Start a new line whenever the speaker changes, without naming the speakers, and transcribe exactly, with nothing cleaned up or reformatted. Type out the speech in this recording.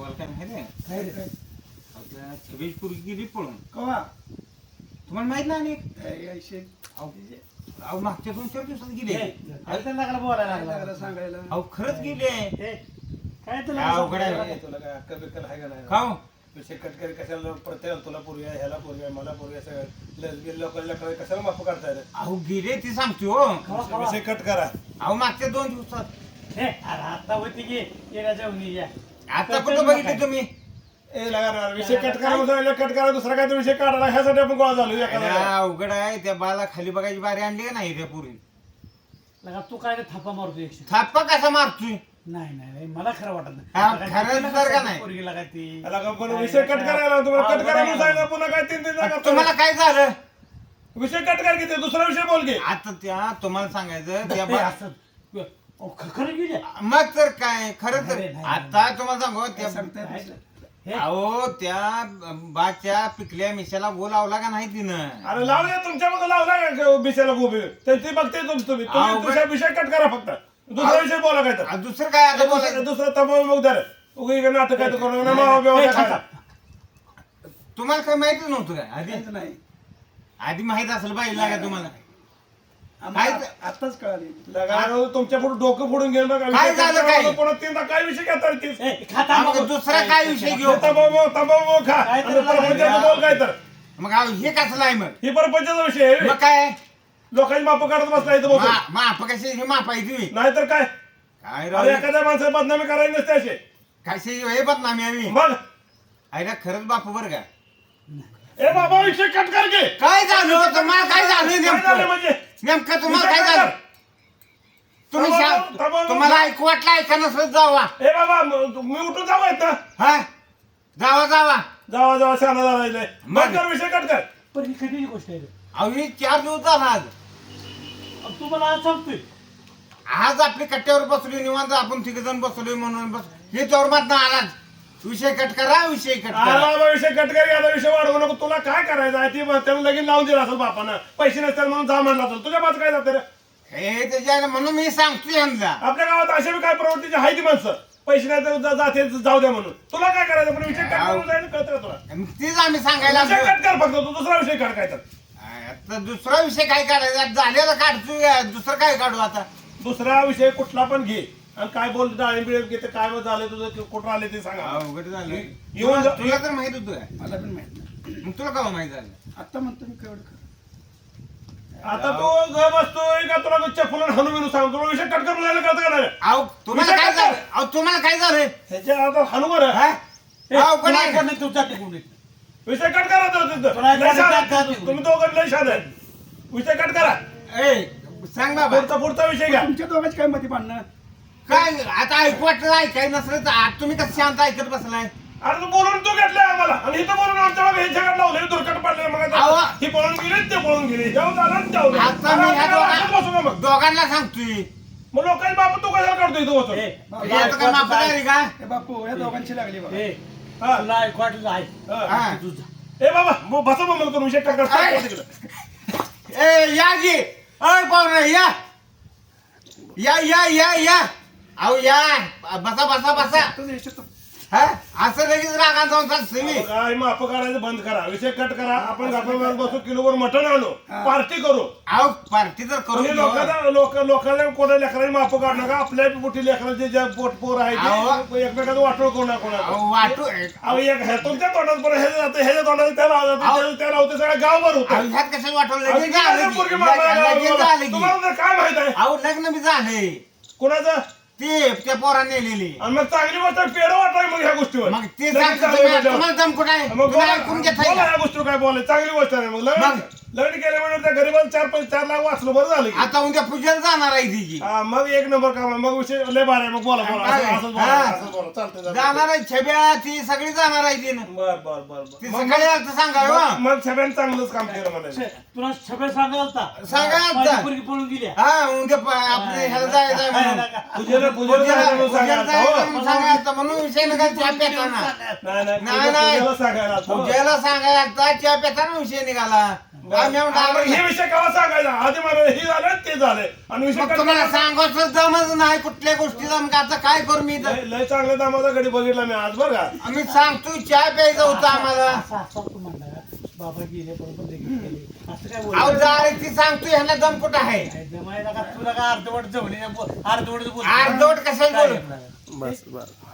तुम्हाला काय माहिती आहे
काय रे काय
आपल्या छबीज पूर्वी गेली पळून
कवा
तुम्हाला माहित नाही
काय ऐंशी
अहो मागच्या दोन चार दिवसात गेले
लागला बोलायला
लागला
लागला
सांगायला
अहो खरंच गेले
हे, काय तुला
काय अवघड आहे?
काय तुला काय अक्कल बिक्कल आहे का नाही
खाऊ
विषय कटकरी कशाला प्रत्येक तुला पूर्वी आहे ह्याला पूर्वी आहे मला पूर्वी आहे सगळं लसबील लोकांना कशाला माफ करता येईल
अहो गेले ती सांगतो हो
कवा, कवा?
विषय कट करा
अहो मागच्या दोन दिवसात
हे, अरे आता होती की येण्याच्या उन्ही या
आता कुठं बघितले तुम्ही
ए लगा विषय कट करा म्हणतो कट करा दुसरा काय विषय काढायला ह्यासाठी आपण गोळा झालो
अरे,
एखादा
अवघड आहे त्या बाला खाली बघायची बारी आणली का नाही त्या पुरी
लगा तू काय रे थापा मारतो एकशे
थाप्पा कसा मारतोय
नाही नाही नाही, मला खरं वाटत
हा,
नाही
खरं
लगा
तर का नाही?
पोरगी लगा ती
लगा पण विषय कट करायला तुम्हाला कट करा म्हणून सांगितलं पुन्हा काय तीन तीन जागा
तुम्हाला काय झालं
विषय कट कर घेते दुसरा विषय बोल घे
आता त्या तुम्हाला सांगायचं त्या
हे
बा-
असं अहो, ख- खरं गेल्या
मग तर काय खरं तर
नाही, नाही,
आता तुम्हाला सांगू त्या
हे,
अहो त्या बाच्या पिकल्या मिशाला गो लावला का नाही तिनं
अरे लावले तुमच्या मग लावला का बिशाला गोबी ते ते बघते तुम तुम्ही
अहो,
तुम्ही दुसरा विषय कट करा फक्त दुसरा विषय बोला काय तर
आ, दुसरं काय आता
दुसरं
बोलायचं
दुसरं तमाम मग धर उगी इकडे नाटक काय तर करू नका मावा बिवा
हे,
काय
थांबा.
तुम्हाला काही माहितीच नव्हतं काय आधी
काहीच नाही
आधी माहित असेल पाहिजे का तुम्हाला
आम्हाला
काय-
आत्ताच कळाली लगा तुमच्या पुढे डोकं फोडून घेऊन बघा
काय
विषय कट
झालं
करा,
काय?
पुन्हा तीनदा काय विषय घेता तीस
हे, खाता
मग
मग.
दुसरा काय विषय घेऊ
तंबाखू तंबाखू खा
काय
आणि
तर
परपंचाचं बोल काय तर
मग अहो, हे कसलं आहे मग
ही परपंचाचा विषय आहे
मग काय
लोकांची माप करत बसला इथं बसून
मा- माप कशी हे मापायची
नाहीतर काय
काय
अरे
राव
एखाद्या माणसाला बदनामी करायची नसते असे
कशी हे बदनामी आम्ही
मग
आईला खरंच बापू बरं का
ए बाबा विषय कट कर घे
काय झालं तुम्हाला काय झालं
काय झालं
नेमकं
म्हणजे
नेमकं तुम्हाला
विषय
काय
कट
झालं
कर.
तुम्ही
थांबा,
शा-
थांबा,
तुम्हाला ऐकू वाटलं ऐका नसलं जावा
ए बाबा म- मी उठून जावं येतं
हा जावा जावा
जावा जावा शहाणा झाला
मग.
मग कर विषय कट कर
पण ही कधीची गोष्ट आहे रे?
अहो ही चार दिवस झाला आज
अहो, तू मला आज सांगतोय
आज आपली कट्ट्यावर बसलोय निवांत आपण तिघ जण बसलोय म्हणून बस हे चौरमात ना आलाच विषय कट करा विषय कट
अरे
करा
बाबा विषय कट कर याचा विषय वाढवू नको तुला काय करायचं आहे ती त्यानं लगीन लावून दिला असेल बापानं पैसे नसतील म्हणून जा म्हणला असेल तुझ्या बाजू काय जातं रे
हे त्याच्या म्हणून मी सांगतोय यांना
आपल्या गावात अशा बी काय प्रवृत्तीची आहे ती माणसं पैसे नाही तर जा- जाते जाऊ द्या म्हणून तुला काय करायचं पण विषय कट करून जायला कळतं का तुला
मग तेच आम्ही सांगायला
विषय
लागलो.
कट कर फक्त तू दुसरा विषय काढ काय तर
आता दुसरा विषय काय काढायचा झालेला काढतोय दुसरं काय काढू आता
दुसरा विषय कुठला पण घे आणि काय बोल डाळिंब बिळिंब घेते काय झालं तुझं कुठं आले ते सांगा
अवघड झालं
येऊन
तुला
जा-
तुला तर माहित होतं काय?
मला पण माहित नाही
मग तुला का माहित झालं
आता म्हणतो मी केवढं खरं. आता तू घर बसतोय का तुला चप्पल हाणून बिनू सांग तुला विषय कट करून जायला कळतं का नाही
अहो तुम्हाला
विषय
काय
काय
झालं अहो तुम्हाला काय झालं
ह्याच्या आता हाणू बरं
हा?
हे,
अवघड
तुला
आहे.
ऐकत नाही, तू जा तिकडून इथं.
विषय कट करा तो तिथं.
तुला
लय शाद आहे.
जात- जात-
तुम्ही दोघं लय शाद आहे विषय कट करा
ए सांग बाबा
पुढचा पुढचा विषय घ्या
तुमच्या दोघांची काय मती भांडणं
काय आता ऐकू वाटलं ऐकाय नसलं तर आज तुम्ही कसं शांत ऐकत बसलाय
अरे तू बोलून तू घेतलाय आम्हाला आणि इथं बोलून आमच्या मागे हे जगात लावले दुर्घट पडले मग आता
अहो.
ही पळून गेली ते पळून गेली जाऊ झालं आणि जाऊ झालं.
आता मी
अरे
ह्या
आम्हाला असंच बसू
दोघा-
का मग
दोघांना सांगतोय
मग लोकांची बाप तू कशाला काढतो इथं बसून
हे,
हे
तुला
आता
ऐकू
काय माफ
वाटलं
झाली का
हे बापू या दोघांची लागली बघा
हे,
हा.
तुला ऐकू वाटलं आहे.
हा.
हा.
तू जा.
ए बाबा मग बसा मग मला करून विषय कट कर
अरे.
तिकडं.
ए या जी अय पाहुणे या या या या या अहो या बसा बसा बसा
तुझं यश तो-
हा असं लगेच रागा जाऊन चालतं मी
काय माप काढायचं बंद करा विषय कट करा आपण गप्पा बसू किलोवर मटण आणू पार्टी करू
अहो पार्टी तर करू
म्हणजे लोकांना लोक लोकांना कोणा लेकरांनी माप काढू नका आपल्या मोठी लेकरांचे जे पोट पोर आहे
अहो.
ते एकमेकाचं वाटोळ कोणा कोणाचं
अहो वाटू
अहो एक हे तुमच्या तोंडात बरं हे जातं ह्याच्या तोंडात त्याला
अहो.
जातं त्याला होतं सगळं गावभर
अहो
होतं
ह्यात कसं वाटवलं
अहो,
लगेच
किती
झालं
जण
की.
पोरगी मारायला
लगेच
लागला?
झालं की.
तुम्हाला तर काय माहित आहे
अहो लग्न बी झालंय
कोणाचं
ते त्या पोरा नेलेली
आणि मग चांगली गोष्ट पेड वाटाय मग ह्या गोष्टीवर
मग ते
लगेच
सांगतो
झालं
तुम्ही-
म्हटल्यावर.
तुम्हाला दम कुठं आहे
मग
तुम्ही
बोला
ऐकून घेताय
बोला
का?
ह्या गोष्टीवर काय बोलाय चांगली गोष्ट आहे मग लग्न
मग?
लग्न केल्यामुळे त्या गरीबाला चार पैसे चार लाख वाचलं बरं झालं की.
आता उद्या पूजेला जाणार आहे तिची
हा, मग एक नंबर काम आहे. मग विषय लय भारी आहे. मग बोला बोला असं-
काय?
असंच बोला
हा.
असंच बोला चालतंय
जाणार
चालतंय.
आहे छब्या ती सगळी जाणार आहे तिनं
बर बर बर
ती
बर
सकाळी आता सांगावं
मग-
हा.
मग सगळ्यांनी चांगलंच काम केलं म्हणायचं
शे, तुला सगळं सांगायला होता.
सांगा आता.
माझी पोरगी पळून गेली आहे.
हा उद्या प- आपले ह्याला जायचं आहे म्हणून
पूजेला पूजेला
पूजेला
जायचं म्हणून
पूजेला
सांगायला
जायचं
हो.
म्हणून सांगायचं म्हणून विषय नका चहा पेताना
नाही नाही
नाही,
पूजे-
नाही.
पूजेला सांगायला हो.
पूजेला सांगायला चहा पेताना विषय निघाला आम्ही म्हणतो
आता
आम्ही-
हे विषय केव्हा सांगायचा आधी मला हे झालं ते झालंय आणि विषय
मग
कट
तुम्हाला
करायचा.
सांगायचं जमच नाही कुठल्या गोष्टीचा मग आता काय करू मी तर
लय लय चांगल्या दामाचा गडी बघितला मी आज बरं का
आम्ही सांगतो चहा प्यायचं होतं आम्हाला
असं असं तू म्हणला बाबा गेले बरोबर लगेच गेले असं काय
अहो
बोल
जाय ती सांगतो ह्यांना दम कुठं आहे
जमायला का तुला का अर्धवट जवळ अर्धवट बोल
अर्धवट कशाला बोलू
बस बस